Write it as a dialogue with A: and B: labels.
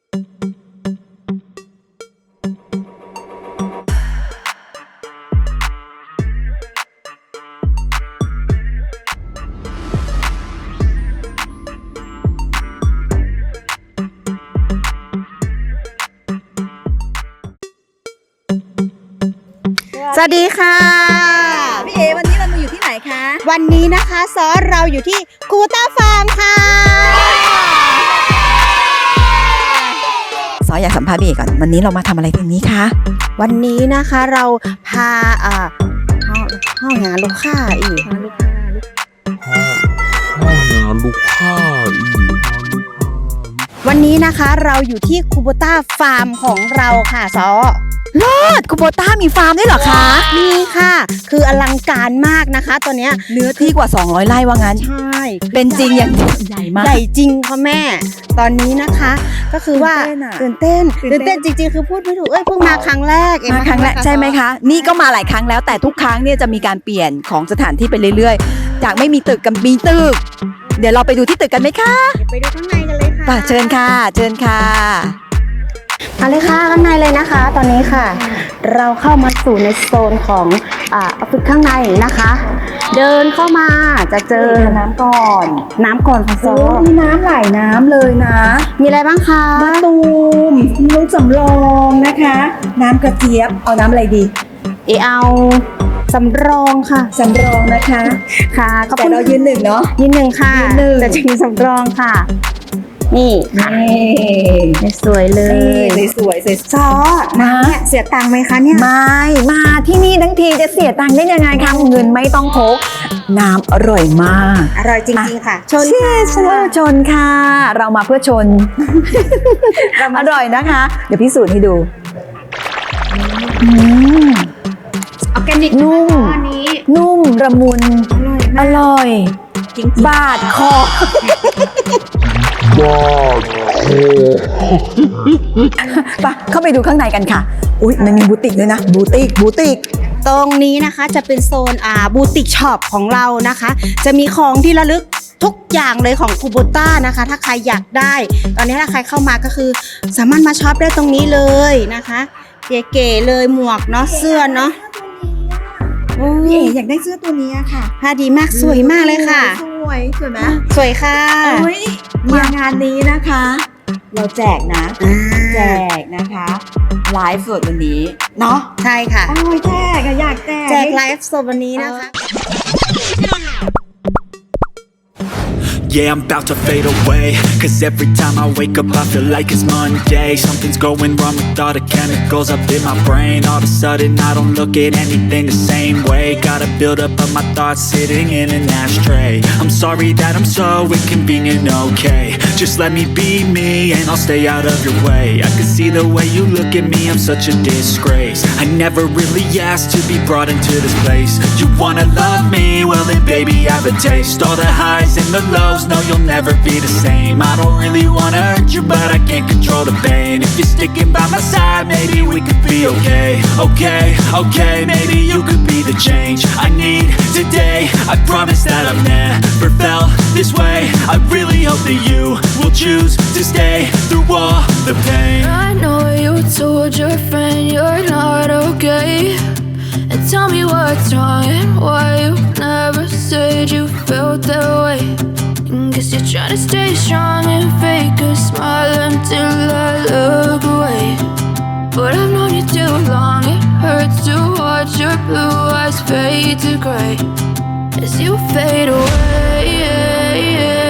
A: สวัสดีค่ะ
B: พี่เอวันนี้เรามาอยู่ที่ไหนคะ
A: วันนี้นะคะซอเราอยู่ที่คูโบต้าฟาร์มค่ะ
B: ซออยากสัมภาษณ์พี่เอก่อนวันนี้เรามาทำอะไรตรงนี้คะ
A: วันนี้นะคะเราพาห้องงานลูกค้าอีกวันนี้นะคะเราอยู่ที่คูโบต้าฟาร์มของเราค่ะซอ
B: เลิศคูโบต้ามีฟาร์มด้วยเหรอคะ
A: มีค่ะคืออลังการมากนะคะตอนนี้
B: เนื้อที่กว่า200ไร่ว่างั้น
A: ใช่
B: เป็นจริงอย่างใหญ่มาก
A: ใหญ่จริงค่ะแม่ตอนนี้นะคะก็คือว่าตื่นเต้นจริงๆคือพูดไม่ถูกเพิ่งมาครั้งแรก
B: มาครั้งแรกใช่ไหมคะนี่ก็มาหลายครั้งแล้วแต่ทุกครั้งเนี่ยจะมีการเปลี่ยนของสถานที่ไปเรื่อยๆจากไม่มีตึกกับมีตึกเดี๋ยวเราไปดูที่ตึกกันไหมคะ
A: ไปดูข้างในกันเลยค่ะ
B: เชิญค่ะ
A: เอาเลยค่ะข้างในเลยนะคะตอนนี้ค่ะเราเข้ามาสู่ในโซนของออฟฟิศข้างในนะคะ เดินเข้ามาจะเจอ
B: น้ำก่อน
A: ค่ะโซ
B: มีน้ำหลายน้ำเลยนะ
A: มีอะไรบ้างคะ
B: มะตูมน้ำสำรองนะคะน้ำกระเจี๊ยบเอาน้ำอะไรดี
A: เอาสำรองค่ะ
B: สำรองนะคะ
A: ค่ะ
B: แต่เรายืนหนึ่งเนาะ
A: ยืนหนึ่งค่ะแต่จะมีสำรองค่ะนี่สวยเลย
B: สวย
A: ซอนะเนี่ยเสียตังค์ไหมคะเนี่ย
B: ไม่มาที่นี่ทั้งทีจะเสียตังค์ได้ยังไงคะเงินไม่ต้องพกน้ำอร่อยมาก
A: อร่อยจริงๆค่ะ
B: ชนค่ะเรามาเพื่อชนอร่อยนะคะเดี๋ยวพิสูจน์ให้ดู
A: ออร์แกนิก
B: นุ่มละมุนอร่อย
A: จริง
B: บาดคอไปเข้าไปดูข้างในกันค่ะอุ๊ยมันมีบูติกด้วยนะบูติก
A: ตรงนี้นะคะจะเป็นโซนบูติกช็อปของเรานะคะจะมีของที่ระลึกทุกอย่างเลยของคูโบต้านะคะถ้าใครอยากได้ตอนนี้ถ้าใครเข้ามาก็คือสามารถมาช็อปได้ตรงนี้เลยนะคะเก๋ๆเลยหมวกเนาะเสื้อเนาะ
B: อยากได้เสื้อตัวนี้ค่ะ
A: ผ้าดีมากสวยมากเลยค่ะ
B: สวยไหม
A: สวยค่ะ
B: มางานนี้นะคะเราแจกนะแจกนะคะไลฟ์สดวันนี้เนาะ
A: ใช่ค่ะ
B: แจกอยาก
A: แจกไลฟ์สดวันนี้นะคะ
C: Yeah, I'm about to fade away. Cause every time I wake up I feel like it's Monday. Something's going wrong with all the chemicals up in my brain. All of a sudden I don't look at anything the same way. Got a build up of my thoughts sitting in an ashtray. I'm sorry that I'm so inconvenient, okay. Just let me be me and I'll stay out of your way. I can see the way you look at me, I'm such a disgrace. I never really asked to be brought into this place. You wanna love me? Well then baby I have a taste. All the highs and the lows, no you'll never be the same. I don't really wanna hurt you but I can't control the pain. If you're sticking by my side maybe we could be okay. Okay, maybe you could be the change I need today. I promise that I've never felt this way. I really hope that you will choose to stay through all the pain.
D: I know you told your friend you're not okay, and tell me what's wrong and why you never said you felt that way. Guess you're trying to stay strong and fake a smile until I look away. But I've known you too long, it hurts to watch your blue eyes fade to gray as you fade away.